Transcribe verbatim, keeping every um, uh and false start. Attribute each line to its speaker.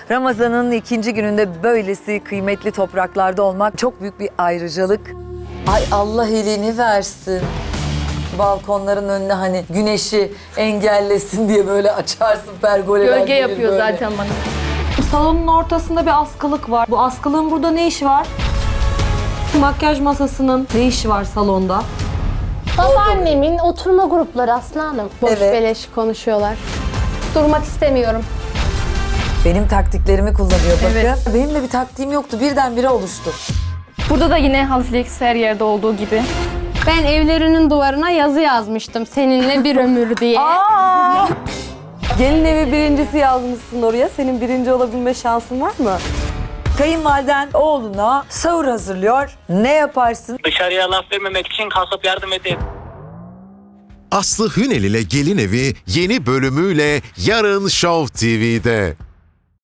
Speaker 1: Ramazan'ın ikinci gününde böylesi kıymetli topraklarda olmak çok büyük bir ayrıcalık. Ay Allah elini versin. Balkonların önüne hani güneşi engellesin diye böyle açarsın pergoleler.
Speaker 2: Gölge
Speaker 1: gelir
Speaker 2: yapıyor
Speaker 1: böyle.
Speaker 2: zaten bana.
Speaker 3: Salonun ortasında bir askılık var. Bu askılığın burada ne işi var? Makyaj masasının ne işi var salonda?
Speaker 4: Babaannemin oturma grupları Aslı Hanım. Boş
Speaker 1: Evet.
Speaker 4: beleş konuşuyorlar. Durmak istemiyorum.
Speaker 1: Benim taktiklerimi kullanıyor bakın.
Speaker 2: Evet.
Speaker 1: Benim de bir taktiğim yoktu. Birdenbire oluştu.
Speaker 2: Burada da yine halı flex her yerde olduğu gibi.
Speaker 4: Ben evlerinin duvarına yazı yazmıştım. Seninle bir ömür diye.
Speaker 3: Gelin evi birincisi yazmışsın oraya. Senin birinci olabilme şansın var mı?
Speaker 1: Kayınvaliden oğluna sahur hazırlıyor. Ne yaparsın?
Speaker 5: Dışarıya laf vermemek için kalkıp yardım edeyim.
Speaker 6: Aslı Hünel ile Gelin Evi yeni bölümüyle yarın Show T V'de.